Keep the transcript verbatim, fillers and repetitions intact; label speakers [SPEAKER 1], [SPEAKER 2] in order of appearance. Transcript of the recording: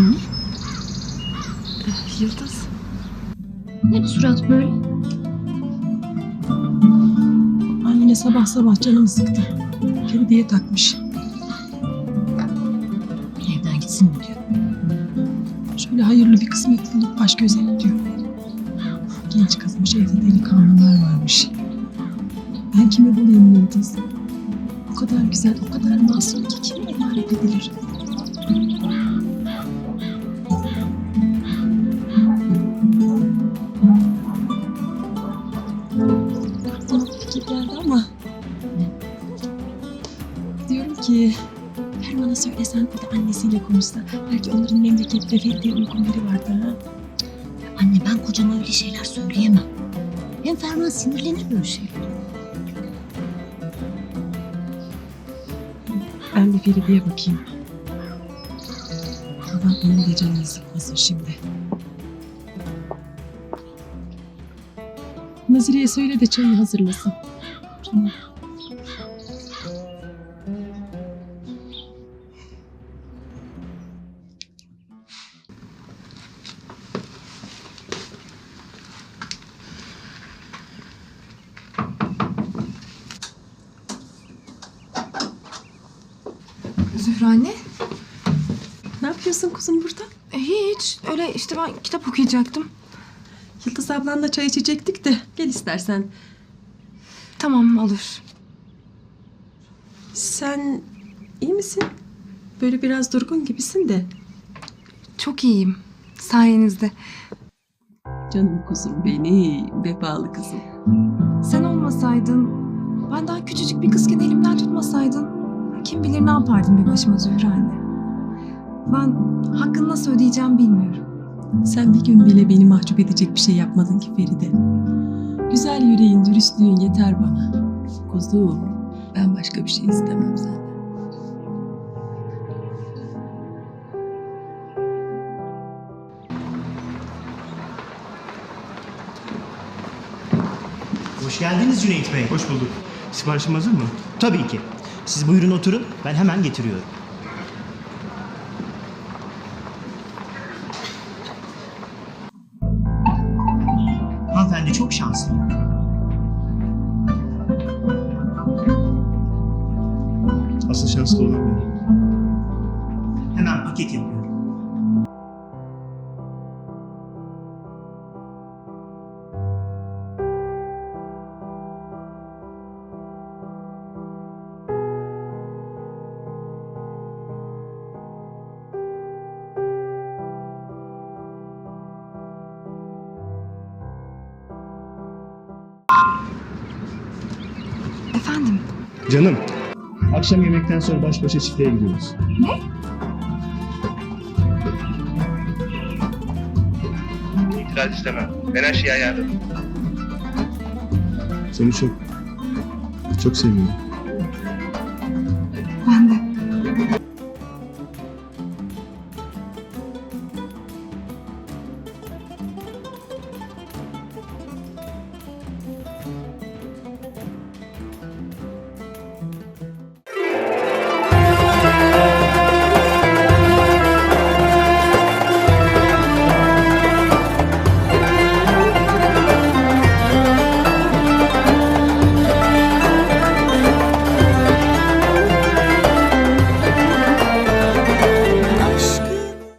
[SPEAKER 1] Anne,
[SPEAKER 2] Yıldız.
[SPEAKER 1] ne bu surat böyle?
[SPEAKER 2] Anne sabah sabah canımı sıktı. Feride'ye takmış.
[SPEAKER 1] Evden gitsin mi diyor.
[SPEAKER 2] Şöyle hayırlı bir kısmet bulup baş göze diyor. Genç kızmış, evde delikanlılar varmış. Ben kimi bulayım Yıldız? O kadar güzel, o kadar masum ki kime emanet edilir? Aklıma bir fikir geldi ama... Diyorum ki... Ferman'a söylesen, o da annesiyle konuşsa. Belki onların memlekette Feride'ye uygun biri vardır ha.
[SPEAKER 1] Anne, ben kocama öyle şeyler söyleyemem. Hem Ferman sinirlenir böyle şeyler.
[SPEAKER 2] Ben bir Feride'ye bakayım. Babam onun da canını sıkmasın şimdi. Nazire'ye söyle de çayı hazırlasın. Tamam.
[SPEAKER 3] Zühre anne.
[SPEAKER 2] Ne yapıyorsun kuzum burada?
[SPEAKER 3] E, hiç. Öyle işte ben kitap okuyacaktım.
[SPEAKER 2] Yıldız ablanla çay içecektik de gel istersen.
[SPEAKER 3] Tamam, olur.
[SPEAKER 2] Sen iyi misin? Böyle biraz durgun gibisin de.
[SPEAKER 3] Çok iyiyim. Sayenizde.
[SPEAKER 2] Canım kuzum benim, vefalı kızım.
[SPEAKER 3] Sen olmasaydın, ben daha küçücük bir kızken elimden tutmasaydın, kim bilir ne yapardım bir başıma Zühre anne. Ben hakkını nasıl ödeyeceğim bilmiyorum.
[SPEAKER 2] Sen bir gün bile beni mahcup edecek bir şey yapmadın ki Feride. Güzel yüreğin, dürüstlüğün yeter bana. Kuzum, ben başka bir şey istemem senden.
[SPEAKER 4] Hoş geldiniz Cüneyt Bey.
[SPEAKER 5] Hoş bulduk. Siparişim hazır mı?
[SPEAKER 4] Tabii ki. Siz buyurun oturun, ben hemen getiriyorum. Hanımefendi çok şanslı.
[SPEAKER 5] Asıl şanslı olan benim.
[SPEAKER 4] Hemen paket yapıyorum.
[SPEAKER 3] Efendim?
[SPEAKER 5] Canım, akşam yemekten sonra baş başa çiftliğe gidiyoruz.
[SPEAKER 3] Ne?
[SPEAKER 6] İtiraz istemem. Ben her şeyi ayarladım.
[SPEAKER 5] Seni çok, çok seviyorum.
[SPEAKER 3] Ben de.